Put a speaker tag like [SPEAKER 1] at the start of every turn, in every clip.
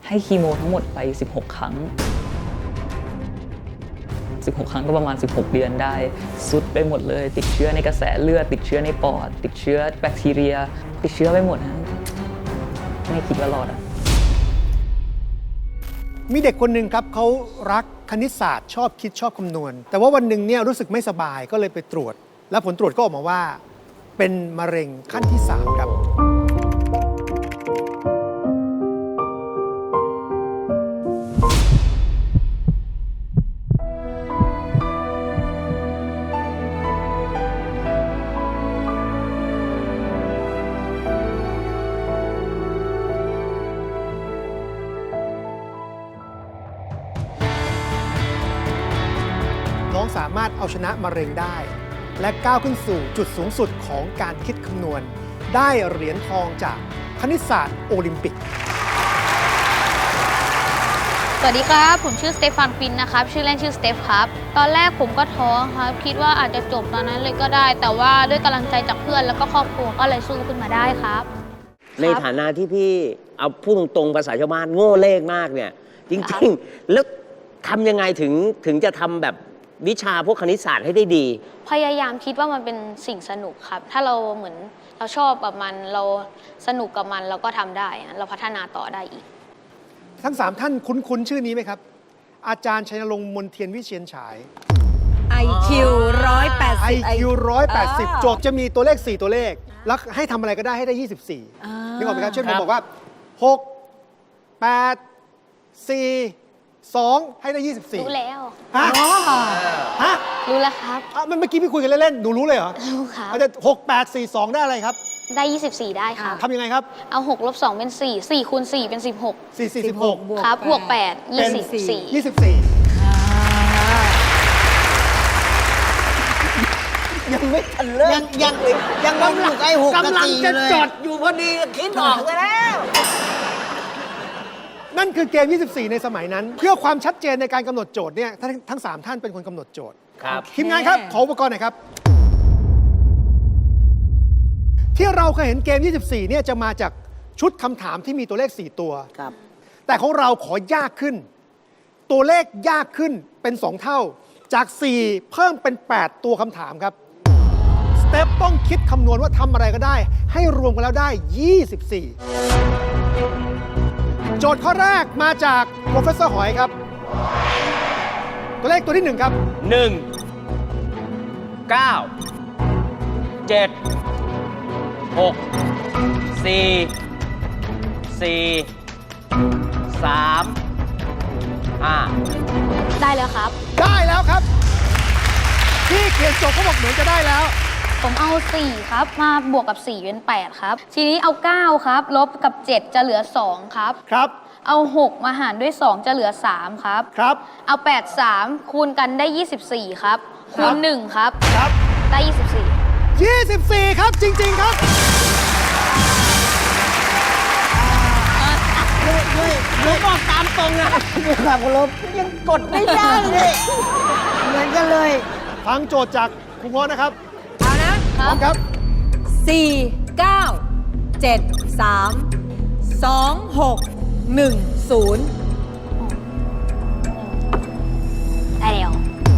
[SPEAKER 1] ให้คีโมทั้งหมดไป16 ครั้ง16 ครั้งก็ประมาณ16 เดือนได้สุดไปหมดเลยติดเชื้อในกระแสเลือดติดเชื้อในปอดติดเชื้อแบคทีเรียติดเชื้อไปหมดนะไม่คิดว่ารอดอ่ะ
[SPEAKER 2] มีเด็กคนหนึ่งครับเขารักคณิตศาสตร์ชอบคิดชอบคำนวณแต่ว่าวันหนึ่งเนี่ยรู้สึกไม่สบายก็เลยไปตรวจแล้วผลตรวจก็ออกมาว่าเป็นมะเร็งขั้นที่ 3 ครับน้องสามารถเอาชนะมะเร็งได้และก้าวขึ้นสู่จุดสูงสุดของการคิดคำนวณได้เหรียญทองจากคณิตศาสตร์โอลิมปิก
[SPEAKER 3] สวัสดีครับผมชื่อสเตฟานฟินนะครับชื่อเล่นชื่อสเตฟครับตอนแรกผมก็ท้อครับคิดว่าอาจจะจบตอนนั้นเลยก็ได้แต่ว่าด้วยกำลังใจจากเพื่อนแล้วก็ครอบครัวก็เลยสู้ขึ้นมาได้ครับ
[SPEAKER 4] ในฐานะที่พี่เอาพูดตรงๆภาษาชาวบ้านโง่เลขมากเนี่ยจริงๆแล้วทำยังไงถึงจะทำแบบวิชาพวกคณิตศาสตร์ให้ได้ดี
[SPEAKER 3] พยายามคิดว่ามันเป็นสิ่งสนุกครับถ้าเราเหมือนเราชอบกับมันเราสนุกกับมันเราก็ทำได้เราพัฒนาต่อได้อีก
[SPEAKER 2] ทั้ง 3 ท่านคุ้นชื่อนี้ไหมครับอาจารย์ชัยนรงค์มนเทียนวิเชียนฉาย
[SPEAKER 5] IQ 180
[SPEAKER 2] IQ 180 โจทย์จะมีตัวเลข 4 ตัวเลขแล้วให้ทำอะไรก็ได้ให้ได้ 24นึกออกไหมครับเช่นผมบอกว่า 6 8 4 2 ให้ได้ 24
[SPEAKER 3] รู้แล้ว
[SPEAKER 2] ฮะฮะ
[SPEAKER 3] รู้แล้วครับ
[SPEAKER 2] เมื่อกี้พี่คุยกันเล่นๆหนูรู้เลยเหรอ
[SPEAKER 3] รู้ครับ
[SPEAKER 2] อาจจะ6 8 4 2 ได้อะไรครับ
[SPEAKER 3] ได้24ได้ครับ
[SPEAKER 2] ทำยังไงครับ
[SPEAKER 3] เอา6 ลบ 2เป็น4 4คูณ4เป็น16
[SPEAKER 2] 4 4 16
[SPEAKER 3] ครับบวก8 24
[SPEAKER 4] ยังไม่ทันเลิกยังกำลังไอ้6กำลังจะจดอยู่พอดีคิดออกแล้ว
[SPEAKER 2] นั่นคือเกม 24 ในสมัยนั้น เพื่อความชัดเจนในการกำหนดโจทย์เนี่ยทั้ง 3 ท่านเป็นคนกำหนดโจทย์
[SPEAKER 4] ครับ
[SPEAKER 2] ทีมงานครับขออุปกรณ์หน่อยครับที่เราเคยเห็นเกม 24 เนี่ยจะมาจากชุดคำถามที่มีตัวเลข 4 ตัว
[SPEAKER 4] ครับ
[SPEAKER 2] แต่ของเราขอยากขึ้นตัวเลขยากขึ้นเป็น 2 เท่าจาก 4 เพิ่มเป็น 8 ตัวคำถามครับสเต็ปต้องคิดคำนวณว่าทำอะไรก็ได้ให้รวมกันแล้วได้ 24 โจทย์ข้อแรกมาจากโปรเฟสเซอร์หอยครับตัวเลขตัวที่ 1 ครับ
[SPEAKER 4] 1 9 7 6 4 4 3 5
[SPEAKER 3] ได้แล้วครับ
[SPEAKER 2] ได้แล้วครับที่เขียนโจทย์เขาบอกเหมือนจะได้แล้ว
[SPEAKER 3] ผมเอา4ครับมาบวกกับ4เป็น8ครับทีนี้เอา9ครับลบกับ7จะเหลือ2ครับ
[SPEAKER 2] ครับ
[SPEAKER 3] เอา6มาหารด้วย2จะเหลือ3ครับ
[SPEAKER 2] ครับ
[SPEAKER 3] เอา8 3คูณกันได้24ครับคูณ1ครับ
[SPEAKER 2] ครับ
[SPEAKER 3] ได้
[SPEAKER 2] 24ครับจริงๆครับ
[SPEAKER 4] ด้วยบอกตามตรงนะด้วยความเคารพยังกดไม่ได้เลยเหมือนกันเลย
[SPEAKER 2] ฟังโจทย์จากครูง้อนะครับ
[SPEAKER 5] เอานะ
[SPEAKER 2] พร้อมครับ
[SPEAKER 5] 4 9 7 3 2 6 1 0
[SPEAKER 3] ได้แล้ว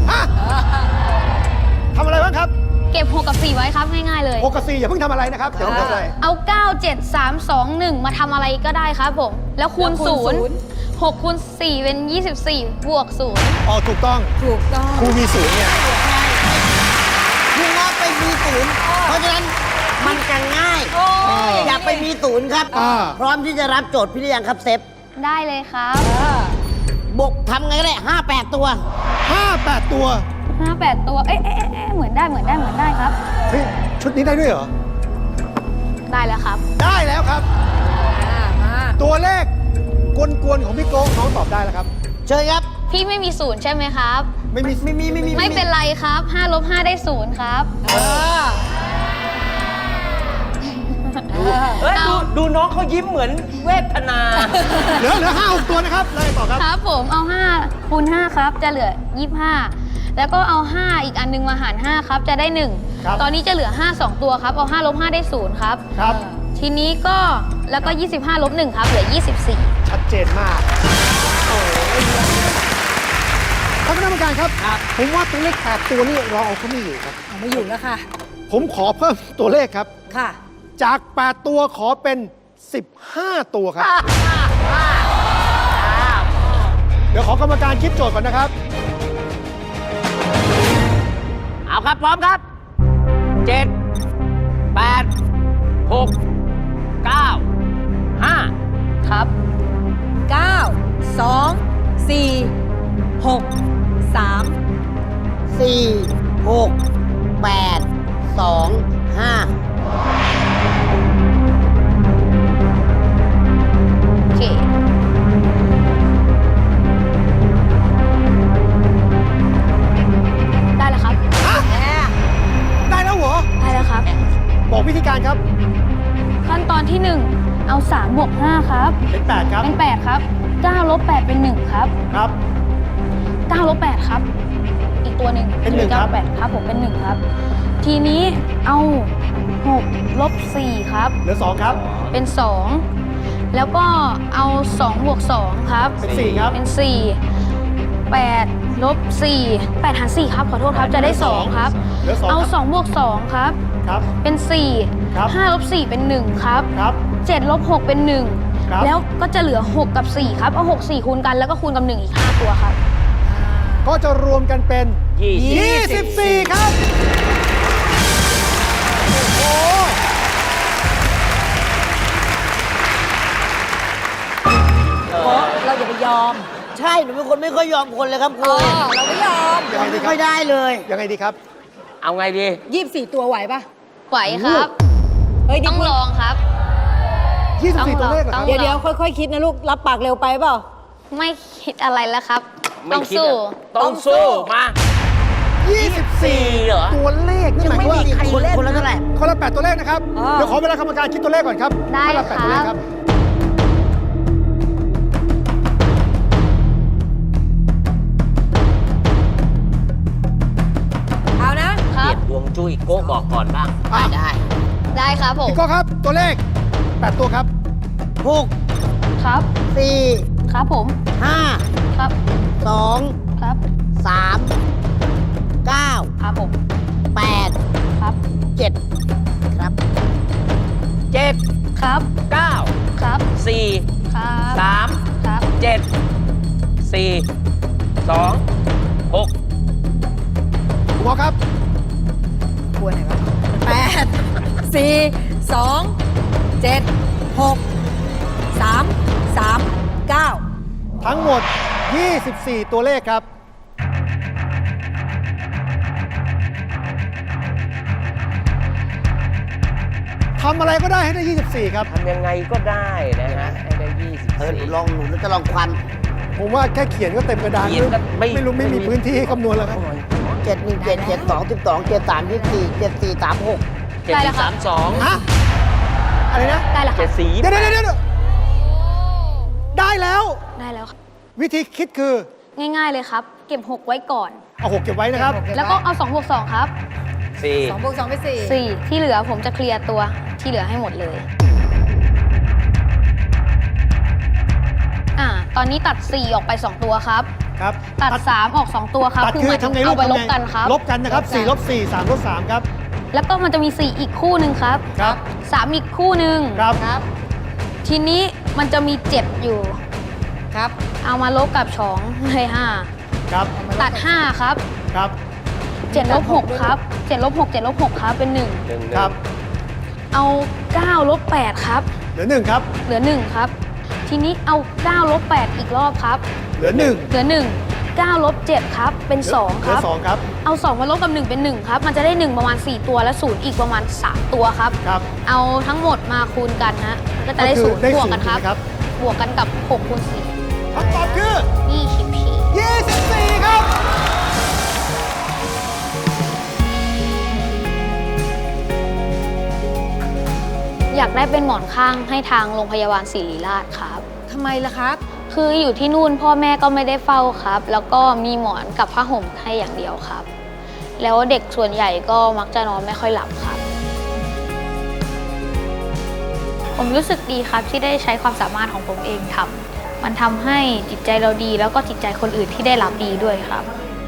[SPEAKER 2] ทำอะไรบ้างครับ
[SPEAKER 3] เก็บ6กับ4ไว้ครับง่ายๆเลย
[SPEAKER 2] 6กับ4อย่าเพิ่งทำอะไรนะครับเดี๋ยวทำอะไร
[SPEAKER 3] เอา9 7 3 2 1มาทำอะไรก็ได้ครับผมแล้วคูณ0 6คูณ4เป็น24บวก0
[SPEAKER 2] อ๋อถูกต้องครูมี0เนี่ย
[SPEAKER 4] ครูง้อไปมี0เพราะฉะนั้นมันจะง่ายอย่าไปมี0ครับพร้อมที่จะรับโจทย์พี่หรือยังครับเซฟ
[SPEAKER 3] ได้เลยครับ
[SPEAKER 4] บวกทำไงก็ได้5-8 ตัว
[SPEAKER 2] 5-8 ตัว
[SPEAKER 3] 5-8 ตัวเอ๊ะเหมือนได้ครับ
[SPEAKER 2] เฮ้ยชุดนี้ได้ด้วยเหรอ
[SPEAKER 3] ได้แล้วครับ
[SPEAKER 2] ได้แล้วครับตัวเลขกวนๆของพี่โก้น้องตอบได้แล้วครับ
[SPEAKER 4] เชิญครับ
[SPEAKER 3] พี่ไม่มี0ใช่ไหมครับ
[SPEAKER 2] ไม่
[SPEAKER 3] เป็นไรครับ5 ลบ 5ได้0ครับ
[SPEAKER 4] ดูน้องเขายิ้มเหมือนเวทนา
[SPEAKER 2] เหลือ5-6 ตัวนะครับเลยต่อครับ
[SPEAKER 3] ครับผมเอา5คูณ5ครับจะเหลือ25แล้วก็เอา5อีกอันนึงมาหาร5ครับจะได้1ตอนนี้จะเหลือ5 2 ตัวครับเอา5 ลบ 5ได้0ครับ
[SPEAKER 2] ครับ
[SPEAKER 3] ทีนี้ก็แล้วก็25 ลบ 1ครับเหลือ24
[SPEAKER 2] ชัดเจนมากท่านคณะกรรมการครับ ผมว่าตัวเลข8ตัวนี่เราเอาเขาไม่อยู่ครับ
[SPEAKER 5] เอาไม่อยู่แล้วค่ะ
[SPEAKER 2] ผมขอเพิ่มตัวเลขครับ
[SPEAKER 5] ค่ะ
[SPEAKER 2] จาก 8 ตัวขอเป็น 15 ตัวครับ เดี๋ยวขอกรรมการคิดโจทย์ก่อนนะครับ
[SPEAKER 4] เอาครับ พร้อมครับ 7 8 6 9 5
[SPEAKER 1] ครับ
[SPEAKER 5] 9 2 4 6 3
[SPEAKER 6] 4 6 8 2 5
[SPEAKER 3] โอเค ได้แล้วครับ
[SPEAKER 2] ได้แล้วเหรอ
[SPEAKER 3] ได้แล้วครับ
[SPEAKER 2] บอกวิธีการครับ
[SPEAKER 3] ขั้นตอนที่ 1 เอา3บวก5ครับ
[SPEAKER 2] เป็น 8 ครับ
[SPEAKER 3] เป็น 8 ครับ9ลบ8เป็น 1 ครับ
[SPEAKER 2] ครับ
[SPEAKER 3] 9ลบ8ครับ อีกตัวหนึ่ง
[SPEAKER 2] เป็น1ครับ
[SPEAKER 3] 8ครับผมเป็น 1 ครับ ทีนี้เอา6ลบ4ครับ
[SPEAKER 2] เหลือ 2 ครับ
[SPEAKER 3] เป็น 2 แล้วก็เอา2บวก2ครับ
[SPEAKER 2] เป็น 4 ครับ
[SPEAKER 3] เป็น 4 8ลบ4 8หาร4ครับ ขอโทษครับ จะได้ 2 ครับ
[SPEAKER 2] เหลือ 2
[SPEAKER 3] เอา
[SPEAKER 2] ครับ
[SPEAKER 3] 2บวก2ครับ
[SPEAKER 2] ครับ
[SPEAKER 3] เป็น
[SPEAKER 2] ครับ
[SPEAKER 3] 4 5ลบ4เป็น 1 ครับ
[SPEAKER 2] ครับ
[SPEAKER 3] 7ลบ6เป็น
[SPEAKER 2] ครับ
[SPEAKER 3] 1 แล้วก็จะเหลือ 6 กับ 4 ครับ เอา 6 4 คูณกันแล้วก็คูณกับ 1 อีก 5 ตัวครับ
[SPEAKER 2] ก็จะรวมกันเป็น 24 ครับ โอ้โห
[SPEAKER 5] เราอย่าไปยอม
[SPEAKER 6] ใช่ หนูเป็นคนไม่ค่อยยอมคนเลยครับครู
[SPEAKER 5] เราไม่ยอม
[SPEAKER 2] ยังไงดี
[SPEAKER 6] ไม่
[SPEAKER 2] ค
[SPEAKER 6] ค่
[SPEAKER 2] รั
[SPEAKER 6] อบ ยได้เลย
[SPEAKER 2] ยังไงดีครับ
[SPEAKER 4] เอาไงดี
[SPEAKER 5] 24 ตัวไหวปะ
[SPEAKER 3] ไหวครับ
[SPEAKER 5] เฮ้ย
[SPEAKER 3] ต้องลองครับ
[SPEAKER 2] 24 ตัวเลขเหรอครับ
[SPEAKER 3] ต้
[SPEAKER 5] เดี๋ยวค่อยๆ คิดนะลูก รับปากเร็วไปเปล่า
[SPEAKER 3] ไม่คิดอะไรแล้วครับ
[SPEAKER 4] ไม่
[SPEAKER 3] ต้อง
[SPEAKER 4] คิด
[SPEAKER 3] สู้
[SPEAKER 4] อะต้องสู้ มา
[SPEAKER 2] 24
[SPEAKER 4] เหรอ
[SPEAKER 2] ตัวเลขนี่หมายความว่า
[SPEAKER 6] คนละเท่าไหร่
[SPEAKER 2] คนละ 8 ตัวเลขนะครับ
[SPEAKER 5] อ่า
[SPEAKER 2] เดี๋ยวขอเวลากรรมการคิดตัวเลขก่อนครับ
[SPEAKER 3] ได้
[SPEAKER 2] คนละ8ตัวเลข
[SPEAKER 3] ค
[SPEAKER 2] ค
[SPEAKER 3] รั
[SPEAKER 2] รับ บ
[SPEAKER 5] เอานะ
[SPEAKER 3] ครั
[SPEAKER 4] เปลี่
[SPEAKER 3] บ
[SPEAKER 4] ยนดวงจุ้ยโก้บอกก่อนบ้าง
[SPEAKER 6] ได้
[SPEAKER 3] ได้ครับผม
[SPEAKER 2] พี่โก้ครับ ตัวเลข 8 ตัวครับ
[SPEAKER 6] 6
[SPEAKER 3] ครับ
[SPEAKER 6] 4
[SPEAKER 3] ครับผม
[SPEAKER 6] 5
[SPEAKER 3] ครับ
[SPEAKER 6] 2
[SPEAKER 3] ครับ
[SPEAKER 6] 3 9
[SPEAKER 3] ครับผม
[SPEAKER 6] 8
[SPEAKER 3] ครับ
[SPEAKER 6] 7 ครับ
[SPEAKER 4] 7
[SPEAKER 3] ครับ
[SPEAKER 4] 9
[SPEAKER 3] ครับ
[SPEAKER 4] 4
[SPEAKER 3] ครับ
[SPEAKER 4] 3
[SPEAKER 3] ครับ
[SPEAKER 4] 7 4 2 6
[SPEAKER 2] คุณพ่อครับ
[SPEAKER 5] กลัวไหนวะ8 4 2 7 6 3 3 9
[SPEAKER 2] ทั้งหมด 24 ตัวเลขครับ ทำอะไรก็ได้ให้ได้ 24 ครับ
[SPEAKER 4] ทำยังไงก็ได้นะฮะ ให้ได้
[SPEAKER 6] หนู
[SPEAKER 4] 24
[SPEAKER 6] ลองหนูจะลองควัน
[SPEAKER 2] ผมว่าแค่เขียนก็เต็มกระดาน
[SPEAKER 4] เขียนก็ไม่
[SPEAKER 2] ไม่รู้ไม่มีพื้นที่ให้คำนวณแล้วครับ
[SPEAKER 6] 7 1 7 7 2 12 7 3 24 7 4 3 6
[SPEAKER 3] ได้แล้วครับ
[SPEAKER 4] 7 3
[SPEAKER 2] ฮะ อะไรนะ
[SPEAKER 3] ได้แล้วครับ
[SPEAKER 4] 2 7 4
[SPEAKER 2] เดี๋ยวได้แล้ว
[SPEAKER 3] ได้แล้วครับ
[SPEAKER 2] วิธีคิดคือ
[SPEAKER 3] ง่ายๆเลยครับ เก็บ 6 ไว้ก่อน
[SPEAKER 2] เอา6เก็บไว้นะครับ
[SPEAKER 3] แล้วก็เอา2บวก2ครับ
[SPEAKER 4] 4
[SPEAKER 5] 2 บวก 2 เป็น 4
[SPEAKER 3] 4 ที่เหลือผมจะเคลียร์ตัวที่เหลือให้หมดเลย ตอนนี้ตัด 4 ออกไป 2 ตัวครับ
[SPEAKER 2] ครับ
[SPEAKER 3] ตัด 3 ออก 2 ตัวครับ
[SPEAKER 2] ตัด
[SPEAKER 3] คือ
[SPEAKER 2] คื
[SPEAKER 3] ห
[SPEAKER 2] อ
[SPEAKER 3] มายถึ
[SPEAKER 2] ทำ
[SPEAKER 3] ง
[SPEAKER 2] ไงลู
[SPEAKER 3] เอา
[SPEAKER 2] ก
[SPEAKER 3] ไป
[SPEAKER 2] ทำ
[SPEAKER 3] ล
[SPEAKER 2] ไง
[SPEAKER 3] บกันครับ
[SPEAKER 2] ลบกันนะครับ 4 ลบ 4 3 ลบ 3 ครับ
[SPEAKER 3] แล้วก็มันจะมี 4 อีกคู่หนึ่งครับ
[SPEAKER 2] ครับ
[SPEAKER 3] 3 อีกคู่หนึ่ง
[SPEAKER 2] ครับ
[SPEAKER 3] ทีนี้มันจะมี 7 อยู่
[SPEAKER 5] ครับ
[SPEAKER 3] เอามาลบกับ2ให้
[SPEAKER 2] ครับ
[SPEAKER 3] 5 ตัด 5 ครับ
[SPEAKER 2] ครับ
[SPEAKER 3] 7ลบ6ครับ7ลบ6 7ลบ6ครับเป็น 1
[SPEAKER 2] ครับ
[SPEAKER 3] เอา9ลบ8ครับ
[SPEAKER 2] เหลือ 1 ครับ
[SPEAKER 3] เหลือ 1 ครับ ทีนี้เอา9ลบ8อีกรอบครับ
[SPEAKER 2] เหลือ 1
[SPEAKER 3] เหลือ 1 9ลบ7ครับ เป็น 2 ครับ
[SPEAKER 2] เหลือ 2 ครับ
[SPEAKER 3] เอา 2 มาลบกับ 1 เป็น 1 ครับ มันจะได้ 1 ประมาณ 4 ตัว และ 0 อีกประมาณ 3 ตัวครับ
[SPEAKER 2] ครับ
[SPEAKER 3] เอาทั้งหมดมาคูณกันฮะก็จะได้
[SPEAKER 2] ก็คือได้
[SPEAKER 3] 0บวกกัน
[SPEAKER 2] 0
[SPEAKER 3] ครับ
[SPEAKER 2] ถูกไหมครับ
[SPEAKER 3] บวกกันกับ6คูณ
[SPEAKER 2] คำตอบคือ
[SPEAKER 3] 4
[SPEAKER 2] 24 ครับ
[SPEAKER 3] อยากได้เป็นหมอนข้างให้ทางโรงพยาบาลศิริราชครับ
[SPEAKER 5] ทำไมล่ะครับ
[SPEAKER 3] คืออยู่ที่นู่นพ่อแม่ก็ไม่ได้เฝ้าครับ แล้วก็มีหมอนกับผ้าห่มให้อย่างเดียวครับ แล้วเด็กส่วนใหญ่ก็มักจะนอนไม่ค่อยหลับครับ ผมรู้สึกดีครับที่ได้ใช้ความสามารถของผมเองทำมันทำให้จิตใจเราดีแล้วก็จิตใจคนอื่นที่ได้รับดีด้วยครับ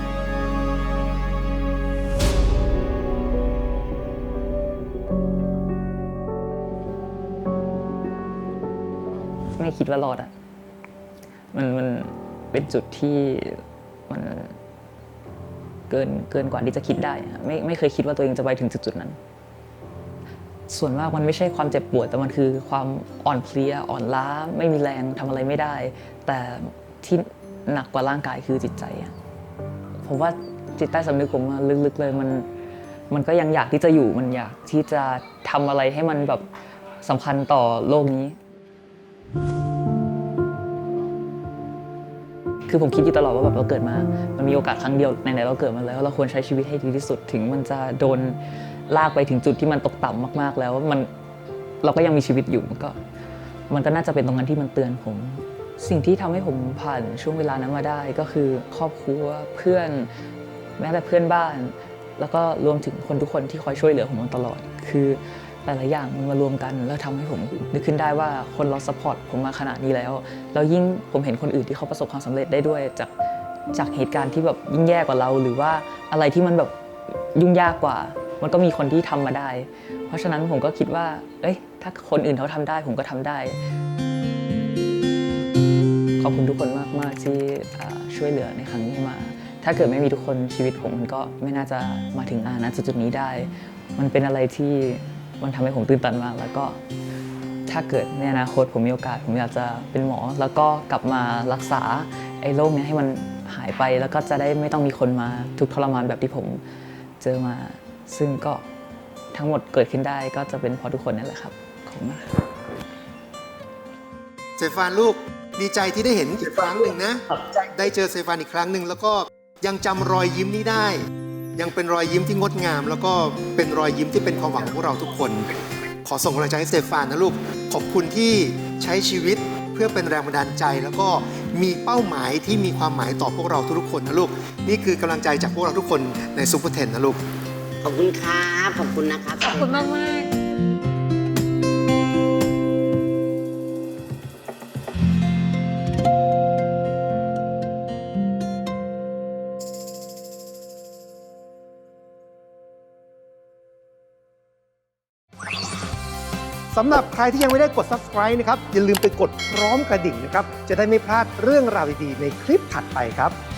[SPEAKER 1] ไม่คิดว่ารอดอ่ะมันเป็นจุดที่มันเกินกว่าที่จะคิดได้อะไม่เคยคิดว่าตัวเองจะไปถึงจุดนั้น ส่วนมากมันไม่ใช่ความเจ็บปวดแต่มันคือความอ่อนเพลียอ่อนล้าไม่มีแรงทำอะไรไม่ได้ แต่ที่หนักกว่าร่างกายคือจิตใจอะผมว่าจิตใต้สำนึกผมอะลึกๆเลยมันก็ยังอยากที่จะอยู่มันอยากที่จะทำอะไรให้มันแบบสำคัญต่อโลกนี้ คือผมคิดอยู่ตลอดว่าแบบเราเกิดมามันมีโอกาสครั้งเดียวไหนๆเราเกิดมาแล้วเราควรใช้ชีวิตให้ดีที่สุดถึงมันจะโดนลากไปถึงจุดที่มันตกต่ำมากๆแล้วเราก็ยังมีชีวิตอยู่มันก็น่าจะเป็นตรงนั้นที่มันเตือนผม สิ่งที่ทำให้ผมผ่านช่วงเวลานั้นมาได้ก็คือครอบครัวเพื่อนแม้แต่เพื่อนบ้าน แล้วก็รวมถึงคนทุกคนที่คอยช่วยเหลือผมมาตลอดคือหลายๆอย่างมันมารวมกันแล้วทำให้ผมนึกขึ้นได้ว่าคนเราซัพพอร์ตผมมาขนาดนี้แล้วยิ่งผมเห็นคนอื่นที่เขาประสบความสำเร็จได้ด้วยจากเหตุการณ์ที่แบบยิ่งแย่กว่าเราหรือว่าอะไรที่มันแบบยุ่งยากกว่ามันก็มีคนที่ทำมาได้เพราะฉะนั้นผมก็คิดว่าถ้าคนอื่นเขาทำได้ผมก็ทำได้ขอบคุณทุกคนมากๆที่ช่วยเหลือในครั้งนี้มาถ้าเกิดไม่มีทุกคนชีวิตผมมันก็ไม่น่าจะมาถึงจุดนี้ได้มันเป็นอะไรที่มันทำให้ผมตื่นตันมากแล้วก็ถ้าเกิดในอนาคตผมมีโอกาสผมอยากจะเป็นหมอแล้วก็กลับมารักษาไอ้โรคนี้ให้มันหายไปแล้วก็จะได้ไม่ต้องมีคนมาทุกข์ทรมานแบบที่ผมเจอมาซึ่งก็ทั้งหมดเกิดขึ้นได้ก็จะเป็นเพราะทุกคนนั่นแหละครับขอบคุณมาก
[SPEAKER 2] เซฟานลูกดีใจที่ได้เห็นอีกครั้งหนึ่งนะได้เจอเซฟานอีกครั้งหนึ่งแล้วก็ยังจำรอยยิ้มนี้ได้ ยังเป็นรอยยิ้มที่งดงาม แล้วก็เป็นรอยยิ้มที่เป็นความหวังของพวกเราทุกคน ขอส่งกำลังใจให้เซฟานนะลูกขอบคุณที่ใช้ชีวิตเพื่อเป็นแรงบันดาลใจ แล้วก็มีเป้าหมายที่มีความหมายต่อพวกเราทุกๆคนนะลูกนี่คือกำลังใจจากพวกเราทุกคนในซุปเปอร์เทนนะลูก
[SPEAKER 6] ขอบคุณครับขอบคุณนะครับ
[SPEAKER 5] ขอบคุณมาก
[SPEAKER 2] สำหรับใครที่ยังไม่ได้กด subscribe นะครับอย่าลืมไปกดพร้อมกระดิ่งนะครับจะได้ไม่พลาดเรื่องราวดีๆในคลิปถัดไปครับ